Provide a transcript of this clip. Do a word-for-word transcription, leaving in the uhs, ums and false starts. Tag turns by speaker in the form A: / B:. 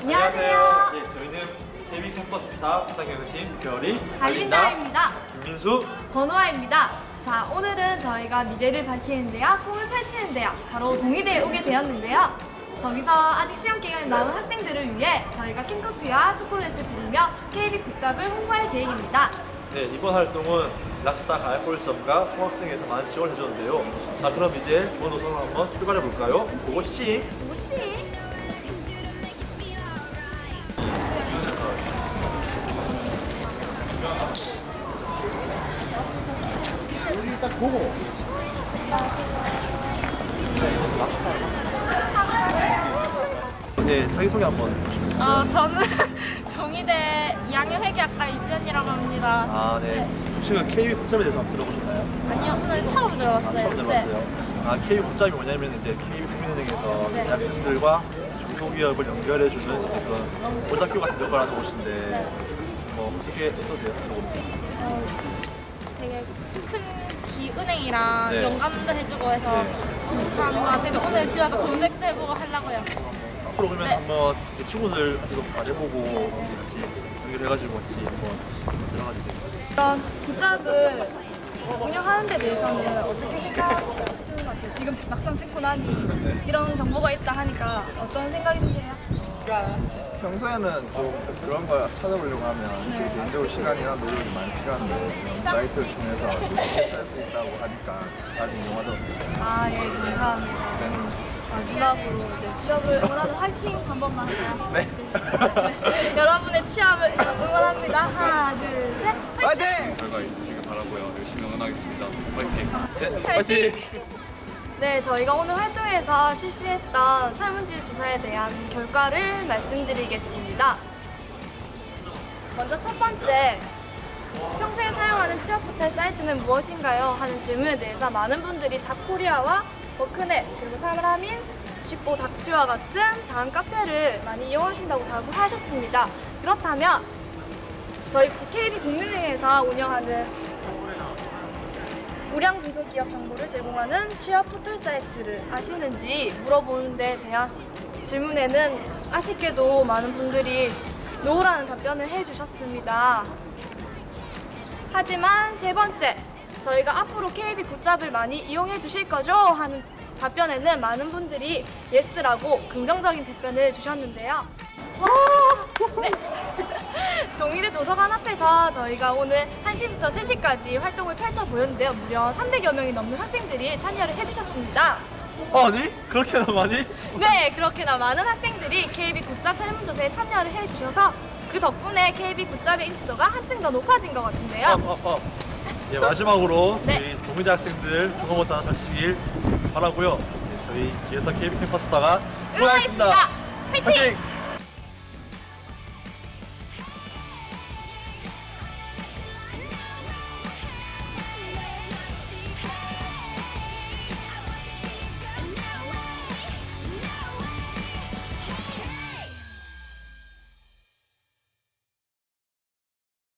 A: 안녕하세요.
B: 네, 저희는 케이비 캠퍼스타 부산경영팀 별이
A: 달린다입니다.
B: 김민수.
A: 권호아입니다. 자, 오늘은 저희가 미래를 밝히는 대학, 꿈을 펼치는 대학, 바로 동의대에 오게 되었는데요. 저기서 아직 시험 기간이 남은 학생들을 위해 저희가 캔커피와 초콜릿을 드리며 케이비 굿잡을 홍보할 계획입니다.
B: 네, 이번 활동은 락스타 가을콜점과 총학생회에서 많은 지원을 해줬는데요. 자, 그럼 이제 좋은 노선을 한번 출발해 볼까요? 고고씨.
A: 무시.
C: 일단 보고.
B: 네, 자기소개 한번.
D: 어, 저는 동의대 이 학년 회계학과 이지연이라고 합니다.
B: 아, 네. 혹시 그 케이비 굿잡에 대해서 한번 들어보셨나요?
D: 아니요, 오늘 처음
B: 아,
D: 들어봤어요.
B: 처음 들어봤어요. 아, 케이비 굿잡이 뭐냐면 이제 케이비 국민은행에서
D: 네.
B: 대학생들과 중소기업을 연결해주는 이제 그런 보자교 같은 역할을 하는 곳인데
D: 네.
B: 뭐 어떻게 어떠세요?
D: 어, 되게 큰 기은행이랑
B: 네.
D: 연감도 해주고 해서
B: 네.
D: 잘한 것 같아요. 오늘 집에 와서 검색도 해보고 하려고요.
B: 앞으로 그러면
D: 네.
B: 한번 이렇게 친구들한테도 말해보고 같이 연결해가지고 같이 한번 들어가주세요.
A: 이런 굿잡을 운영하는 데 대해서는 어떻게 생각하시는 것 같아요? 지금 막상 듣고 나니 이런 정보가 있다 하니까 어떤 생각이 드세요?
C: 평소에는 좀 그런 거 찾아보려고 하면
A: 네.
C: 개인적으로 시간이나 노력이 많이 필요한데 이런 사이트를 통해서 쉽게 찾을 수 있다고 하니까 자주 이용하도록 하겠습니다.
A: 아, 예, 감사합니다.
C: 네.
A: 마지막으로 이제 취업을 응원하는 화이팅 한 번만 할까요?
C: 네.
A: 네. 여러분의 취업을 응원합니다. 하나, 둘, 셋.
C: 화이팅!
E: 결과 있으시길 바라고요. 열심히 응원하겠습니다. 화이팅!
B: 네, 파이팅!
A: 네, 저희가 오늘 활동에서 실시했던 설문지 조사에 대한 결과를 말씀드리겠습니다. 먼저 첫 번째, 평소에 사용하는 취업 포털 사이트는 무엇인가요? 하는 질문에 대해서 많은 분들이 잡코리아와 워크넷, 그리고 사람인, 쥐뽀, 닥치와 같은 다음 카페를 많이 이용하신다고 답을 하셨습니다. 그렇다면 저희 케이비 국민은행에서 운영하는 우량 중소기업 정보를 제공하는 취업 포털 사이트를 아시는지 물어보는 데 대한 질문에는 아쉽게도 많은 분들이 노라는 답변을 해주셨습니다. 하지만 세 번째, 저희가 앞으로 케이비 굿잡을 많이 이용해 주실 거죠? 하는 답변에는 많은 분들이 예스라고 긍정적인 답변을 주셨는데요. 네. 동의대 도서관 앞에서 저희가 오늘 한 시부터 세 시까지 활동을 펼쳐 보였는데요. 무려 삼백여 명이 넘는 학생들이 참여를 해주셨습니다.
B: 아니? 그렇게나 많이?
A: 네, 그렇게나 많은 학생들이 케이비 굿잡 설문조사에 참여를 해주셔서 그 덕분에 케이비 굿잡의 인지도가 한층 더 높아진 것 같은데요.
B: 어, 어, 어. 예, 마지막으로
A: 네.
B: 저희 동의대 학생들 중간고사 잘 치길 바라고요. 예, 저희 기에서 케이비 캠퍼스타가
A: 응원하겠습니다. 화이팅!
B: 화이팅!